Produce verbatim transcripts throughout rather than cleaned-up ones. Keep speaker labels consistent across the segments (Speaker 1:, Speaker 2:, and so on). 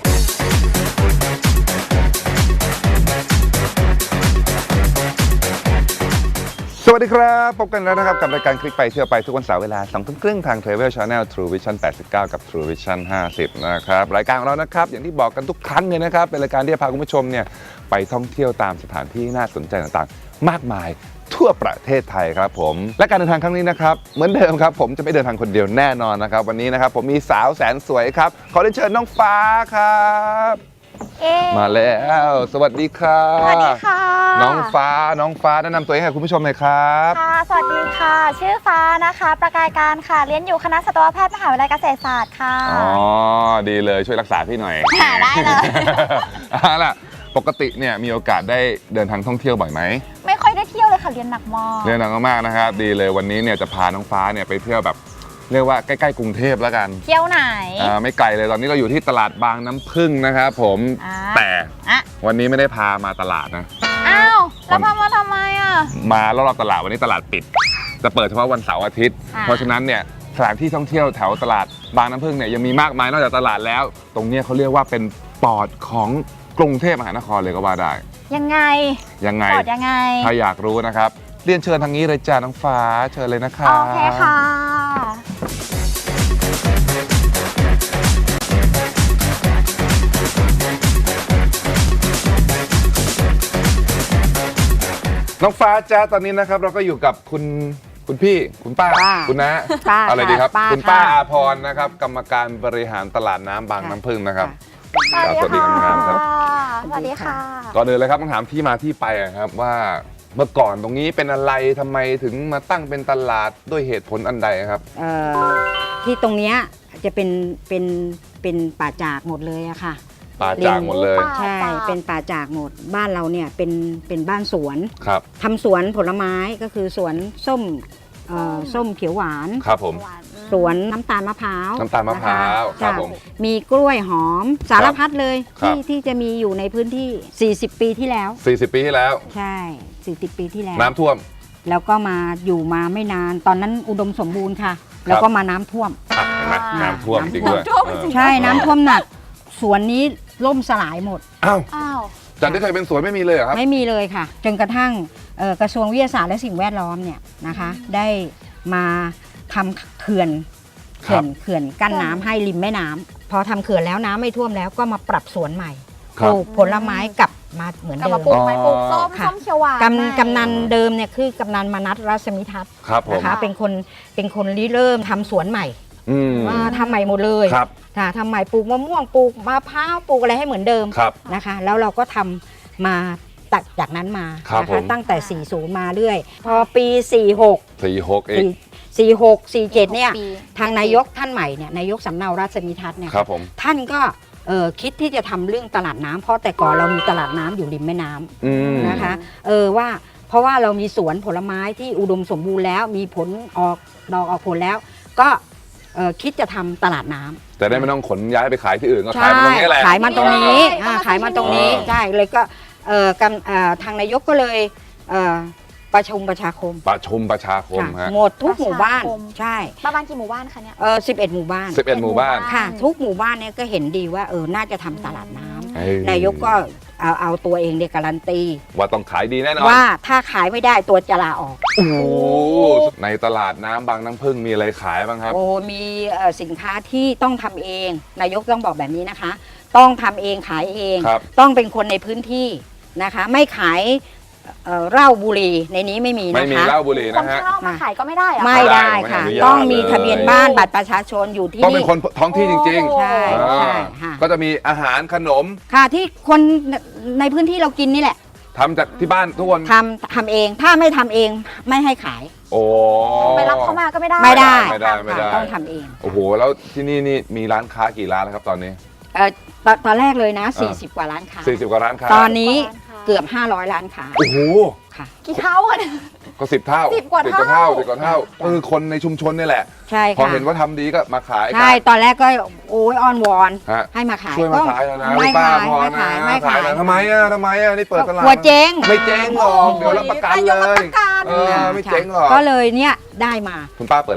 Speaker 1: สวัสดีครับพบกันแล้วนะครับกับรายการคลิกไปเที่ยวไปทุกวันเสาร์เวลาสองทุ่มครึ่งทาง Travel Channel True Vision แปดสิบเก้า กับ True Vision ห้าสิบนะครับรายการของเรานะครับอย่างที่บอกกันทุกครั้งเลยนะครับเป็นรายการที่จะพาคุณผู้ชมเนี่ยไปท่องเที่ยวตามสถานที่น่าสนใจต่างๆมากมายทั่วประเทศไทยครับผมและการเดินทางครั้งนี้นะครับเหมือนเดิมครับผมจะไม่เดินทางคนเดียวแน่นอนนะครับวันนี้นะครับผมมีสาวแสนสวยครับขอเรียนเชิญน้องฟ้าครับมาแล้วสวัสดีครับ
Speaker 2: สวัสดีค่ะ
Speaker 1: น้องฟ้าน้องฟ้าแนะนำตัวเองให้คุณผู้ชมหน่อยครับ
Speaker 2: ค่ะสวัสดีค่ะชื่อฟ้านะคะประกายการค่ะเรียนอยู่คณะสัตวแพทย์มหาวิทยาลัยเกษตรศาสตร์ค่ะ
Speaker 1: อ๋อดีเลยช่วยรักษาพี่หน่อย
Speaker 2: ค่ะได้เลย
Speaker 1: เอาล่ะปกติเนี่ยมีโอกาสได้เดินทางท่องเที่ยวบ่อยไหม
Speaker 2: ไม่ค่อยได้เที่ยวเลยค่ะเรียนหนักมาก
Speaker 1: เรียนหนักมากนะครับดีเลยวันนี้เนี่ยจะพาน้องฟ้าเนี่ยไปเที่ยวแบบเรียกว่าใกล้ๆกรุงเทพแล้วกัน
Speaker 2: เที่ยวไหน
Speaker 1: อ่าไม่ไกลเลยตอนนี้เราอยู่ที่ตลาดบางน้ำผึ้งนะครับผมแต่วันนี้ไม่ได้พามาตลาดนะ
Speaker 2: อ้าวแล้วพามาทำไมอ่ะ
Speaker 1: มารอบๆตลาดวันนี้ตลาดปิดจะเปิดเฉพาะวันเสาร์อาทิตย์เพราะฉะนั้นเนี่ยสถานที่ท่องเที่ยวแถวตลาดบางน้ำผึ้งเนี่ยยังมีมากมายนอกจากตลาดแล้วตรงนี้เขาเรียกว่าเป็นปอดของกรุงเทพมหานครเลยก็ว่าได้
Speaker 2: ยังไง
Speaker 1: ยังไง
Speaker 2: ปอดยังไง
Speaker 1: ถ้าอยากรู้นะครับเรียนเชิญทางนี้เลยจ้าน้องฟ้าเชิญเลยนะคะ
Speaker 2: โอเคค่ะ
Speaker 1: น้องฟ้าจ้าตอนนี้นะครับเราก็อยู่กับคุณคุณพี่คุณป้าคุณน้าอะไรดีครับคุณป้าอาพรนะครับกรรมการบริหารตลาดน้ำบางน้ำผึ้งนะครับ
Speaker 2: สวัสดี
Speaker 1: ครับ
Speaker 2: สวัสดีค่ะ
Speaker 1: ก่อนอื่นเลยครับต้องถามที่มาที่ไปครับว่าเมื่อก่อนตรงนี้เป็นอะไรทำไมถึงมาตั้งเป็นตลาดด้วยเหตุผลอันใดครับ
Speaker 3: เอ่อที่ตรงเนี้ยจะเป็นเป็นเป็นป่าจากหมดเลยอะค่ะ
Speaker 1: ป่าจากหมดเลย
Speaker 3: ใช่เป็นป่าจากหมดบ้านเราเนี่ยเป็นเป็นบ้านสวน
Speaker 1: ครับ
Speaker 3: ทำสวนผลไม้ก็คือสวนส้มเอ่อส้มเขียวหวาน
Speaker 1: ครับผม
Speaker 3: สวนน้ำตาลมะพร้าว
Speaker 1: น้ำตาลมะพร้าวครับผม
Speaker 3: มีกล้วยหอมสารพัดเลยที่ที่จะมีอยู่ในพื้นที่สี่สิบปีที่แล้ว
Speaker 1: สี่สิบปีที่แล้ว
Speaker 3: ใช่สี่สิบปีที่แล้ว
Speaker 1: น้ำท่วม
Speaker 3: แล้วก็มาอยู่มาไม่นานตอนนั้นอุดมสมบูรณ์ค่ะแล้วก็มาน้ำท่วม
Speaker 1: เห็นไหมน้ำท่วมจริงด้วย
Speaker 3: ใช่น้ำท่วมหนักสวนนี้ล่มสลายหมด
Speaker 1: อ้าวอ้าวจากที่เคยเป็นสวนไม่มีเลยเหรอครับ
Speaker 3: ไม่มีเลยค่ะจนกระทั่งกระทรวงวิทยาศาสตร์และสิ่งแวดล้อมเนี่ยนะคะได้มาทำเขื่อนเขื่อนเขื่อนกั้นน้ำให้ริมแม่น้ำพอทำเขื่อนแล้วน้ำไม่ท่วมแล้วก็มาปรับสวนใหม่ปลูกผลไม้กลับมาเหมือนเดิม
Speaker 2: ปลูกไม้ปลูกส้มส้มเขียวหวาน
Speaker 3: กำกำนันเดิมเนี่ยคือกำนันมนัสรัศมิทัศน์นะคะเป็นคนเป็นคนริเริ่มทำสวนใหม่ว่าทำใหม่หมดเลยค่ะทำใหม่ปลูกมะม่วงปลูกมะพร้าวปลูกอะไรให้เหมือนเดิมนะคะแล้วเราก็ทำมาตัดจากนั้นมานะคะตั้งแต่สี่สิบมาเรื่อยพอปีสี่หก
Speaker 1: สี่หกเอง
Speaker 3: สี่หก สี่เจ็ดเนี่ยทางนายกท่านใหม่เนี่ยนายกสำเนารัศมิทัศน์เนี่ยท่านก็คิดที่จะทำเรื่องตลาดน้ำเพราะแต่ก่อนเรามีตลาดน้ำอยู่ริมแม่น้ำนะคะเออว่าเพราะว่าเรามีสวนผลไม้ที่อุดมสมบูรณ์แล้วมีผลออกดอกออกผลแล้วก็คิดจะทำตลาดน้ำ
Speaker 1: แต่ได้ไม่ต้องขนย้ายไปขายที่อื่นก็ขายมาตรงนี้แหละ
Speaker 3: ขายมาตรงนี้ขายมาตรงนี้ใช่เลยก็ทางนายกก็เลยประชุมประชาคม
Speaker 1: ประชุมประชาคมฮะ
Speaker 3: หมดทุกหมู่บ้านใช่
Speaker 2: ประมาณกี่หมู่บ้านคะเนี่ย
Speaker 3: เออสิบเอ็ดหมู่บ้าน
Speaker 1: สิบเอ็ดหมู่บ้าน
Speaker 3: ค่ะทุกหมู่บ้านเนี่ยก็เห็นดีว่าเออน่าจะทำตลาดน้ำนายกก็เอาเอาตัวเองเนี่ยการันตี
Speaker 1: ว่าต้องขายดีแน่นอน
Speaker 3: ว่าถ้าขายไม่ได้ตัวจะลาออก
Speaker 1: โอ้ในตลาดน้ำบางน้ำผึ้งมีอะไรขายบ้างครับ
Speaker 3: โอ้มีสินค้าที่ต้องทำเองนายกต้องบอกแบบนี้นะคะต้องทำเองขายเองต้องเป็นคนในพื้นที่นะคะไม่ขายเหล้าบุหรี่ในนี้ไม่มีนะคะ
Speaker 1: ไม่มีเหล้าบุหรี่นะฮะ
Speaker 2: คนเข้ามาขายก็ไม่ได้
Speaker 3: ไม่ได้ค่ะต้องมีทะเบียนบ้านบัตรประชาชนอยู่ที่
Speaker 1: ต้องเป็นคนท้องที่จริง
Speaker 3: ๆใช่ใช่
Speaker 1: ก็จะมีอาหารขนม
Speaker 3: ค่ะที่คนในพื้นที่เรากินนี่แหละ
Speaker 1: ทำจากที่บ้านทุกคน
Speaker 3: ทำทำเองถ้าไม่ทำเองไม่ให้ขาย
Speaker 1: โอ้
Speaker 2: ไปรับเข้ามาก็ไม่ได้
Speaker 3: ไม่ได้
Speaker 1: ไม่ได้ไม่ได้
Speaker 3: ต้องทำเอง
Speaker 1: โอ้โหแล้วที่นี่นี่มีร้านค้ากี่ร้านแล้วครับตอนนี้
Speaker 3: เออตอนแรกเลยนะสี่สิบกว่าร้านค้า
Speaker 1: สี่สิบกว่าร้านค้า
Speaker 3: ตอนนี้เกือบห้าร้อยร้านค้า
Speaker 1: โอ้โห
Speaker 3: ค่ะ
Speaker 2: กี่เท่ากัน
Speaker 1: ก็สิบเท่า
Speaker 2: สิบกว่าเท่า
Speaker 1: สิบกว่าเท่าก็คือคนในชุมชนนี่แหละ
Speaker 3: ใช่ค่ะ
Speaker 1: พอเห็นว่าทำดีก็มาขาย
Speaker 3: ใช่ตอนแรกก็โอ้ยอ้อนวอนให้มาขาย
Speaker 1: ช่วยมาขายนะ
Speaker 3: ไม่
Speaker 1: ป้า
Speaker 3: พอนะ
Speaker 1: ไม่ขายทำไมอ่ะทำไมอ่ะนี่เปิดตลาด
Speaker 3: หัวเจ๊ง
Speaker 1: ไม่เจ๊งหรอกเดี๋ยวรับประกันเลยเออไม่เจ๊งหรอก
Speaker 3: ก็เลยเนี่ยได้มา
Speaker 1: คุณป้าเปิดร้านอะไร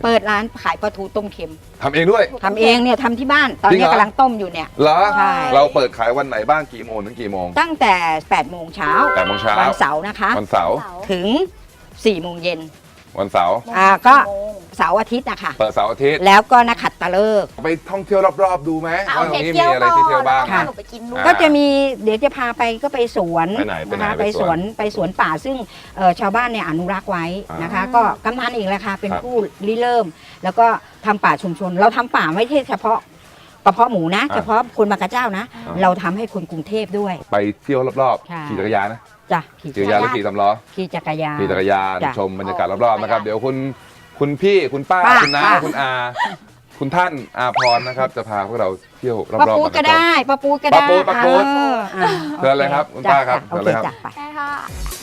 Speaker 3: เปิดร้านขายปลาทูต้มเค็ม
Speaker 1: ทำเองด้วย
Speaker 3: ทำเองเนี่ยทำที่บ้านตอน
Speaker 1: จริง
Speaker 3: นี้
Speaker 1: เหรอ
Speaker 3: กำลังต้มอยู่เนี่ย
Speaker 1: เหรอ
Speaker 3: ใช่
Speaker 1: เราเปิดขายวันไหนบ้างกี่โมงถึงกี่โมง
Speaker 3: ตั้งแต่แปดโมงเช้า
Speaker 1: แปดโมงเช้า
Speaker 3: วันเสาร์นะคะ
Speaker 1: วันเสาร์
Speaker 3: ถึงสี่โมงเย็น
Speaker 1: วันเสาร์
Speaker 3: อ่าก็เสาร์อาทิตย์นะคะ
Speaker 1: เปิดเสาร์อาทิตย์
Speaker 3: แล้วก็นักขัตฤกษ์
Speaker 1: ไปท่องเที่ยวรอบๆดูไหม
Speaker 2: เอา
Speaker 1: ว่าตร
Speaker 2: เท
Speaker 1: งนี้
Speaker 2: เที่
Speaker 1: มี
Speaker 2: ยว
Speaker 1: อะไร
Speaker 2: ก่อน
Speaker 1: ที่เที่ยวบ้าง
Speaker 2: แล้วพาหนูไปกินด้วย
Speaker 1: อ่า
Speaker 3: ก็จะมีเดี๋ยวจะพาไปก็ไปสวน
Speaker 1: ไปไหนไปไหน
Speaker 3: นะคะ
Speaker 1: ไป
Speaker 3: ไป
Speaker 1: ส
Speaker 3: ส
Speaker 1: ว
Speaker 3: วน นไปสวนป่าซึ่งเอ่อชาวบ้านเนี่ยอนุรักษ์ไว้นะคะ
Speaker 2: อ่า
Speaker 3: ก็กำนันเองแหละค่ะเป็น
Speaker 1: ครับ
Speaker 3: ผู้ริเริ่ม แล้วก็ทำป่าชุมชน เราทำป่าไม่ใช่เฉพาะกระเพาะหมูนะ
Speaker 1: อ่า
Speaker 3: เฉพาะคนบางกระเจ้านะ
Speaker 1: อ่า
Speaker 3: เราทำให้คนกรุงเทพด้วย
Speaker 1: ไปเที่ยวรอบ
Speaker 3: ใช่
Speaker 1: ๆขี่จักรยานนะ
Speaker 3: จ้ะขี่
Speaker 1: ขี่จักรยานหรือขี่สำล้อ
Speaker 3: ขี่จักรยาน
Speaker 1: ขี่จักรยาน
Speaker 3: จ้ะ
Speaker 1: ชมบรรยากาศรอบๆนะครับ เดี๋ยวคุณคุณพี่คุณป้า
Speaker 3: ป้า
Speaker 1: คุณน้า
Speaker 3: ป้า
Speaker 1: คุณอา คุณท่านอาพรนะครับ จะพาพวกเราเที่ยวรอบๆ
Speaker 3: ปลาปู
Speaker 1: บางก
Speaker 3: ก็
Speaker 1: ระเจ้า
Speaker 3: ได้ปลาปูก็
Speaker 1: ปลา
Speaker 3: ได้
Speaker 1: ปูปลาปู
Speaker 3: เอออ่ะ
Speaker 1: เชิญเลยครับคุณ
Speaker 3: จ้ะ
Speaker 1: ป้าครับ
Speaker 3: โอ
Speaker 1: เชิญเลยครับ
Speaker 3: เคจ้ะไป
Speaker 2: ใช่ค่ะ